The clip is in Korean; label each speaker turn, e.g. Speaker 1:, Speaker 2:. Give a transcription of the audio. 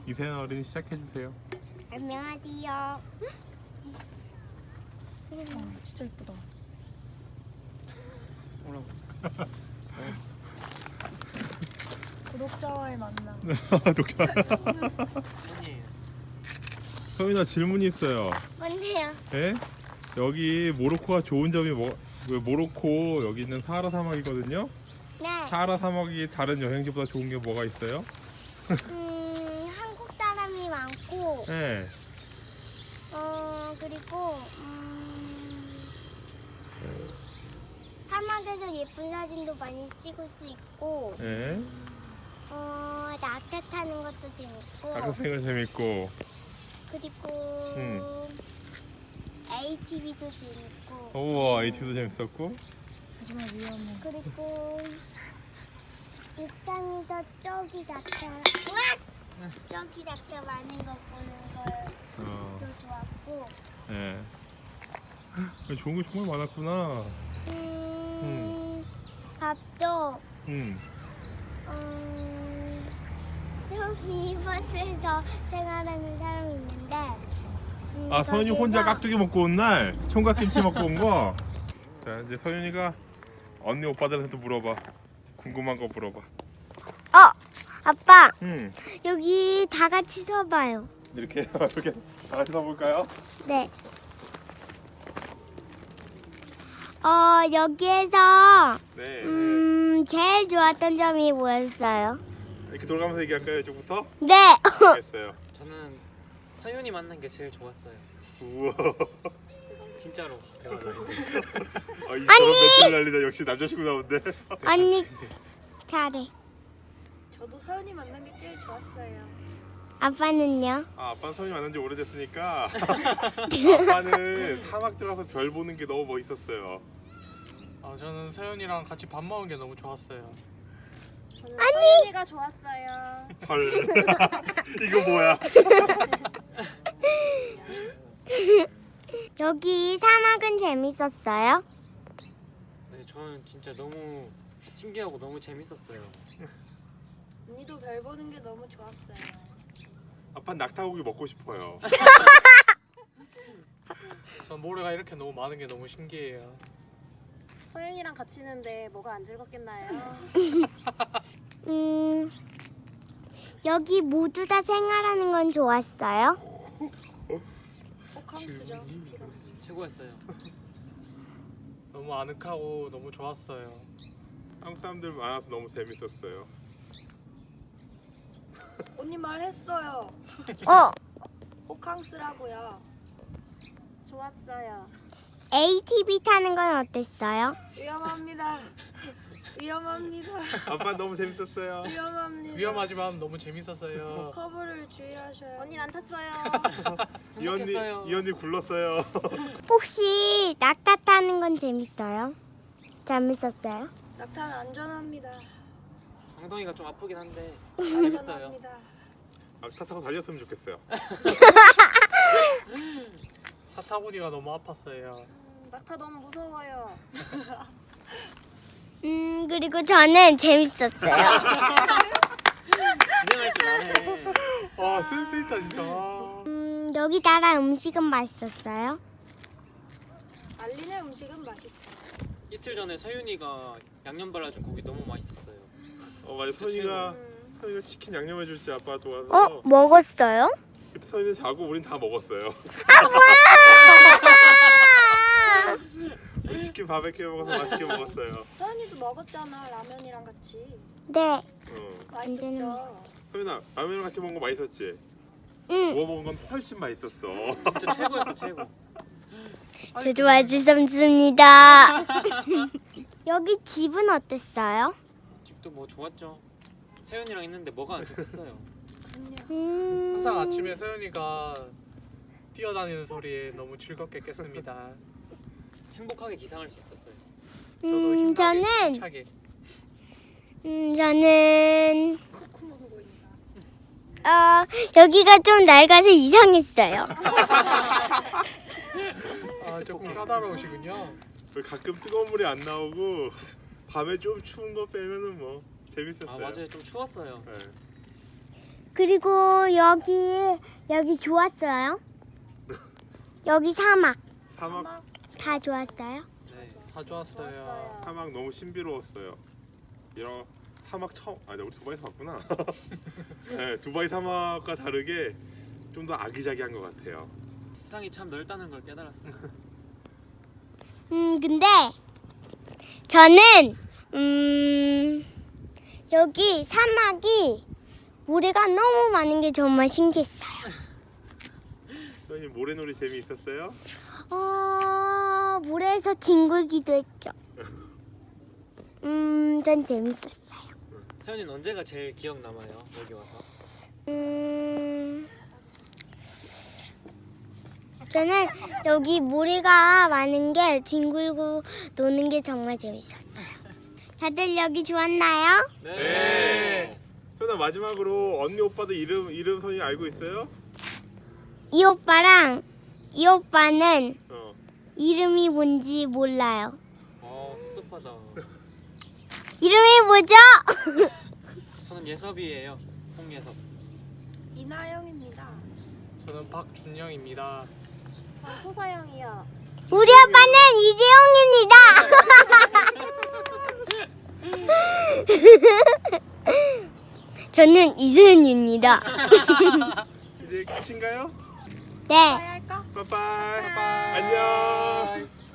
Speaker 1: 이세연 어린이 시작해주세요.
Speaker 2: 안녕하세요.
Speaker 3: 진짜 이쁘다.
Speaker 4: 뭐라고?
Speaker 3: 구독자와의 만남.
Speaker 1: 독자.
Speaker 4: 아니에요.
Speaker 1: 서윤아 질문이 있어요.
Speaker 2: 뭔데요?
Speaker 1: 예? 여기 모로코가 좋은 점이 모로코 여기 있는 사하라 사막이거든요.
Speaker 2: 네.
Speaker 1: 사하라 사막이 다른 여행지보다 좋은 게 뭐가 있어요?
Speaker 2: 한국 사람이 많고,
Speaker 1: 예.
Speaker 2: 그리고 사막에서 예쁜 사진도 많이 찍을 수 있고,
Speaker 1: 예.
Speaker 2: 낙타 타는 것도 재밌고,
Speaker 1: 낙서생활 재밌고.
Speaker 2: 그리고 ATV도 재밌고,
Speaker 1: 우와 ATV도 재밌었고.
Speaker 3: 하지만 위험해.
Speaker 2: 그리고 옥상에서 저기 낙타, 저기 낙타 많은 거 보는
Speaker 1: 어.
Speaker 2: 것도 좋았고,
Speaker 1: 예. 좋은 게 정말 많았구나.
Speaker 2: 밥도 저기 버스에서 생활하는 사람이 있는데,
Speaker 1: 아 서윤이 혼자 깍두기 먹고 온 날 총각김치 먹고 온 거. 자 이제 서윤이가 언니 오빠들한테 물어봐. 궁금한 거 물어봐.
Speaker 2: 아빠,
Speaker 1: 응.
Speaker 2: 여기 다 같이 서봐요.
Speaker 1: 이렇게 이렇게 다 같이 서볼까요?
Speaker 2: 네. 여기에서
Speaker 1: 네.
Speaker 2: 제일 좋았던 점이 뭐였어요?
Speaker 1: 이렇게 돌아가면서 얘기할까요 이쪽부터?
Speaker 2: 네.
Speaker 1: 알겠어요.
Speaker 4: 저는 서윤이 만난 게 제일 좋았어요.
Speaker 1: 우와.
Speaker 4: 진짜로 대화 나올 때.
Speaker 1: 아, 이 저런 멘트를 날리다 역시 남자친구 나온대.
Speaker 2: 언니 잘해.
Speaker 3: 저도 서연이 만난 게 제일 좋았어요.
Speaker 2: 아빠는요?
Speaker 1: 아 아빠는 서윤이 만난 지 오래됐으니까 아빠는 사막 들어가서 별 보는 게 너무 멋있었어요.
Speaker 4: 아 저는 서윤이랑 같이 밥 먹은 게 너무 좋았어요.
Speaker 3: 저는 서연이가 좋았어요.
Speaker 1: 헐. 이거 뭐야?
Speaker 2: 여기 사막은 재밌었어요?
Speaker 4: 네, 저는 진짜 너무 신기하고 너무 재밌었어요.
Speaker 3: 언니도 별 보는 게 너무 좋았어요.
Speaker 1: 아빠는 낙타고기 먹고 싶어요.
Speaker 4: 전 모래가 이렇게 너무 많은 게 너무 신기해요.
Speaker 3: 서연이랑 같이 있는데 뭐가 안 즐겁겠나요?
Speaker 2: 여기 모두 다 생활하는 건 좋았어요?
Speaker 3: 호캉스죠.
Speaker 4: 최고였어요. 너무 아늑하고 너무 좋았어요.
Speaker 1: 한국 사람들 많아서 너무 재밌었어요.
Speaker 3: 언니 말했어요. 호캉스라고요. 좋았어요.
Speaker 2: ATV 타는 건 어땠어요?
Speaker 3: 위험합니다. 위험합니다.
Speaker 1: 아빠 너무 재밌었어요.
Speaker 3: 위험합니다.
Speaker 4: 위험하지만 너무 재밌었어요.
Speaker 3: 커브를 주의하셔야. 언니 안 탔어요.
Speaker 1: 이 언니 굴렀어요.
Speaker 2: 혹시 낙타 타는 건 재밌어요? 재밌었어요?
Speaker 3: 낙타는 안전합니다.
Speaker 4: 엉덩이가 좀 아프긴 한데 재밌어요.
Speaker 3: 안전합니다.
Speaker 1: 낙타 타고 달렸으면 좋겠어요.
Speaker 4: 사타구니가 너무 아팠어요.
Speaker 3: 낙타 너무 무서워요.
Speaker 2: 그리고 저는 재밌었어요.
Speaker 4: 진행할 줄 아네.
Speaker 1: 아 센스 있다 진짜.
Speaker 2: 여기 나라 음식은 맛있었어요?
Speaker 3: 알리네 음식은 맛있어요.
Speaker 4: 이틀 전에 서윤이가 양념 발라준 고기 너무 맛있었어요.
Speaker 1: 맞아 서윤이가 치킨 양념해 줄지 아빠 도와서.
Speaker 2: 먹었어요?
Speaker 1: 그때 서윤이 자고 우린 다 먹었어요. 우리 치킨 바베큐 먹어서 맛있게 먹었어요.
Speaker 3: 서연이도 먹었잖아 라면이랑 같이.
Speaker 2: 네.
Speaker 3: 맛있었죠.
Speaker 1: 서윤아 라면이랑 같이 먹은 거 맛있었지?
Speaker 2: 응.
Speaker 1: 구워 먹은 건 훨씬 맛있었어.
Speaker 4: 진짜 최고였어 최고.
Speaker 2: 저도 맛있었습니다. 여기 집은 어땠어요?
Speaker 4: 집도 뭐 좋았죠. 서윤이랑 있는데 뭐가 안 좋겠어요.
Speaker 5: 항상 아침에 서연이가 뛰어다니는 소리에 너무 즐겁게 깼습니다.
Speaker 4: 행복하게 기상할 수 있었어요.
Speaker 5: 저도 힘나게
Speaker 2: 저는
Speaker 5: 힘차게.
Speaker 2: 저는 여기가 좀 낡아서 이상했어요.
Speaker 5: 아 조금 까다로우시군요.
Speaker 1: 가끔 뜨거운 물이 안 나오고 밤에 좀 추운 거 빼면은 뭐 재밌었어요.
Speaker 4: 아 맞아요 좀 추웠어요.
Speaker 1: 네.
Speaker 2: 그리고 여기 좋았어요? 여기 사막
Speaker 1: 사막
Speaker 2: 다 좋았어요?
Speaker 4: 네.
Speaker 5: 다 좋았어요.
Speaker 1: 사막 너무 신비로웠어요. 이런 사막 처음 우리 두바이에서 봤구나. 네, 두바이 사막과 다르게 좀 더 아기자기한 것 같아요.
Speaker 4: 세상이 참 넓다는 걸 깨달았어요.
Speaker 2: 근데 저는 여기 사막이 모래가 너무 많은 게 정말 신기했어요.
Speaker 1: 선생님 모래놀이 재미있었어요?
Speaker 2: 모래에서 뒹굴기도 했죠. 전 재밌었어요.
Speaker 4: 서연이는 언제가 제일 기억 남아요? 여기 와서?
Speaker 2: 저는 여기 모래가 많은 게 뒹굴고 노는 게 정말 재밌었어요. 다들 여기 좋았나요?
Speaker 1: 네. 선아 마지막으로 언니 오빠들 이름 선생님 알고 있어요?
Speaker 2: 이 오빠랑 이 오빠는
Speaker 1: 어.
Speaker 2: 이름이 뭔지 몰라요.
Speaker 4: 섭섭하다.
Speaker 2: 이름이 뭐죠?
Speaker 4: 저는 예섭이에요. 홍예섭.
Speaker 3: 이나영입니다.
Speaker 5: 저는 박준영입니다.
Speaker 3: 전 소서영이요.
Speaker 2: 우리 오빠는 이재용입니다. 저는 이소연입니다.
Speaker 1: 이제 끝인가요?
Speaker 2: 네.
Speaker 3: 할까?
Speaker 1: 빠빠이. 안녕.